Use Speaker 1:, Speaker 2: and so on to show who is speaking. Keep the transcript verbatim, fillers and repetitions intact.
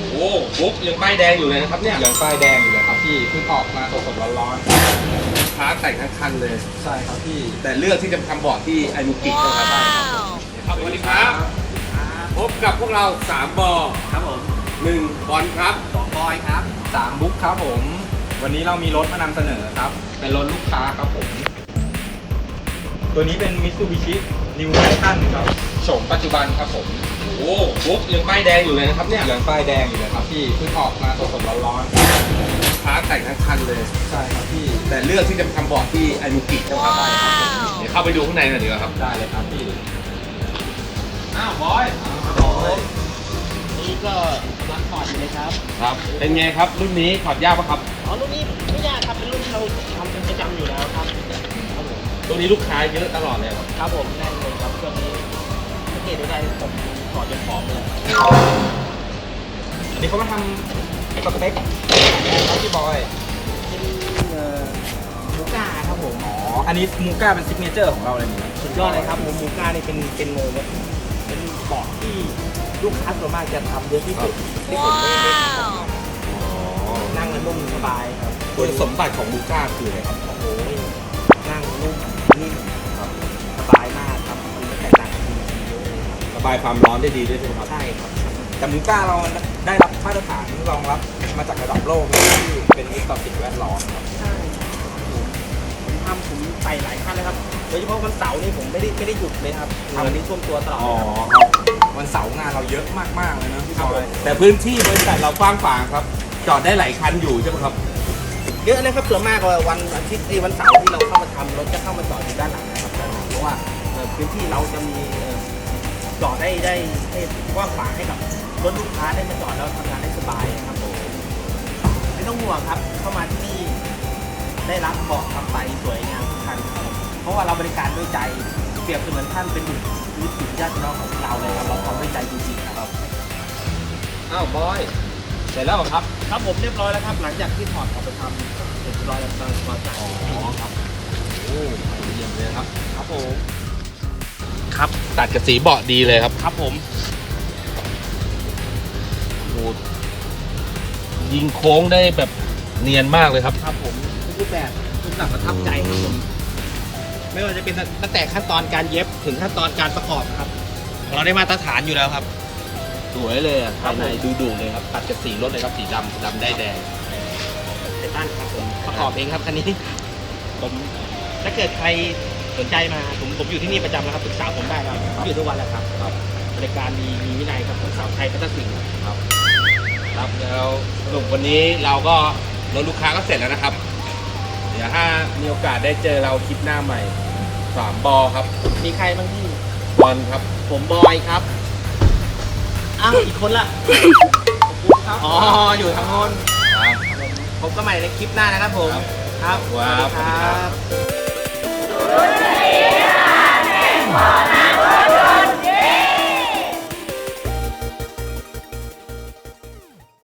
Speaker 1: โอ้บุ๊กยังป้ายแดงอยู่เลยนะครับเนี่ย
Speaker 2: ยังป้ายแดงอยู่เลยครับพี่เพิ่งออกมาสดๆร้อน
Speaker 1: พาร์ทแต่งทั้งคันเลย
Speaker 2: ๆใช่ครับพี่
Speaker 1: แต่เลือกที่จะทำบอร์ดที่ไอมูกินะครับครับสวัสดีครับพบกับพวกเราสามบอ
Speaker 2: ครับผม
Speaker 1: หนึ่งบอลครับ
Speaker 2: สองบอยครับสามบุ๊กครับผมวันนี้เรามีรถมานำเสนอครับเป็นรถลูกค้าครับผมตัวนี้เป็น Mitsubishi New Titan ครับโฉมปัจจุบันครับผม
Speaker 1: โอ้บุ๊กยังป้ายแดงอยู่เลยนะครับเนี่ย
Speaker 2: ยังป้ายแดงอยู่เลยครับพี่เพิ่งออกมาสดๆร้อน
Speaker 1: ๆพาร์ทแต่งทั้งคันเลย
Speaker 2: ใช่ครับพี่
Speaker 1: แต่เลือกที่จะทำบอร์ดที่ไอมูกินะครับได้ครับเดี๋ยวเข้าไปดูข้างในหน่อยดีกว่าครับ
Speaker 2: ได้เลยครับพี่
Speaker 1: อ้าวบอย
Speaker 2: บอย
Speaker 3: นี่ก็รักถอดอยู่เลยครับ
Speaker 1: ครับเป็นไงครับรุ่นนี้ถอดยากปะครับ
Speaker 3: อ๋อรุ่นนี้ไม่ยากครับเป็นรุ่นที่เราทำเป็นประจำอยู่แล้วครับครับผม
Speaker 1: ตัวนี้ลูกค้าเยอะตลอดเลยครับ
Speaker 3: ครับผมแน่นเลยครับช่วงนี้สังเกตได้ผมถอดจนผอมเลย
Speaker 2: อันนี้เขามาทำสเต็กครับพี่บอย
Speaker 3: เป็นมูก้าครับผม
Speaker 2: อ๋ออันนี้มูก้าเป็นซิกเนเจอร์ของเราเลยนี่
Speaker 3: สุดยอดเลยครับผมมูก้านี่เป็นเป็นเป็นเบาะที่ลูกค้าส่วนมากจะทำเยอะที่สุดที่ผมได้ได้ทำนั่งแล้วนุ่มสบายครับ
Speaker 1: คุณสมบัติของมูก้าคืออะไรครับ
Speaker 3: โอ้โหนั่งนุ่มนิ่มครับสบายมากครับมันแตกต่างจากทีวีเยอะเลยครับ
Speaker 1: ระบายความร้อนได้ดีด้วยใช่ไหมครับ
Speaker 3: ใช่ครับ
Speaker 2: แต่มูก้าเราได้รับมาตรฐานรองรับมาจากระดับโลกที่เป็นมิตรต่อสิ่งแวดล้อมครับ
Speaker 3: ใช่ผมทำผมไปหลายขั้นเลยครับโดยเฉพาะวันเสาร์นี่ผมไม่ได้ไม่ได้หยุดเลยครับทำนี้ท่วมตัวตลอด
Speaker 2: อ๋อครับวันเสาร์งานเราเยอะมากๆเลยนะพี่บอย
Speaker 1: แต่พื้นที่บริษัทเรากว้างขวางครับจอดได้หลายคันอยู่ใช่ไหมครับ
Speaker 3: เยอะนะครับส่วนมากว่าวันอาทิตย์วันเสาร์ที่เราเข้ามาทำรถจะเข้ามาจอดอยู่ด้านหลังนะครับด้านหลังเพราะว่าพื้นที่เราจะมีจอดได้ได้ให้กว้างขวางให้กับรถลูกค้าได้มาจอดแล้วทำงานได้สบายนะครับผมไม่ต้องห่วงครับเข้ามาที่นี่ได้รับเบาะขับไปสวยงามทุกคันครับเพราะว่าเราบริการด้วยใจเปรียบเสมือนท่านเป็นบุตรวิถีญาติน้องของเราเลยครับเราทำด้วยใจจริงๆครับ
Speaker 1: อ้าวบอยเสร็จแล้วครับ
Speaker 3: ครับผมเรียบร้อยแล้วครับหลังจากที่ถอดออกไปทำเสร็จเรียบร้อยแล้วมาจาก
Speaker 1: อ๋อครับโอ้เยี่ยมเลยครับ
Speaker 3: ครับผม
Speaker 1: ครับตัดกับสีเบาะดีเลยครับ
Speaker 3: ครับผม
Speaker 1: โอ้ยิงโค้งได้แบบเนียนมากเลยครับ
Speaker 3: ครับผมรูปแบบรูปแบบประทับใจครับผมไม่ว่าจะเป็นตั้งแต่ขั้นตอนการเย็บถึงขั้นตอนการประกอบครับเราได้มาตรฐานอยู่แล้วครับ
Speaker 1: สวยเลยอ่ะภายในดูดุเลยครับตัดกับสีรถเลยครับสีดำดำได้แดง
Speaker 3: ไททันครับผมประกอบเองครับคันนี้ผมถ้าเกิดใครสนใจมาผมผมอยู่ที่นี่ประจำนะครับปรึกษาผมได้ครับอยู่ทุกวันแหละครับครับบริการมีมีวินัยครับของสาวไทยพัฒนศิลป์
Speaker 1: ครับครับแล้วสรุปวันนี้เราก็รถลูกค้าก็เสร็จแล้วนะครับเดี๋ยวถ้ามีโอกาสได้เจอเราคลิปหน้าใหม่สามบอครับ
Speaker 3: มีใครบ้างที่
Speaker 1: บอลครับ
Speaker 3: ผมบอยครับอ้าวอีกคนละอ๋ออยู่ทางโน้นพบกันใหม่ในคลิปหน้านะครับผมครับ
Speaker 1: สวัสดีครับ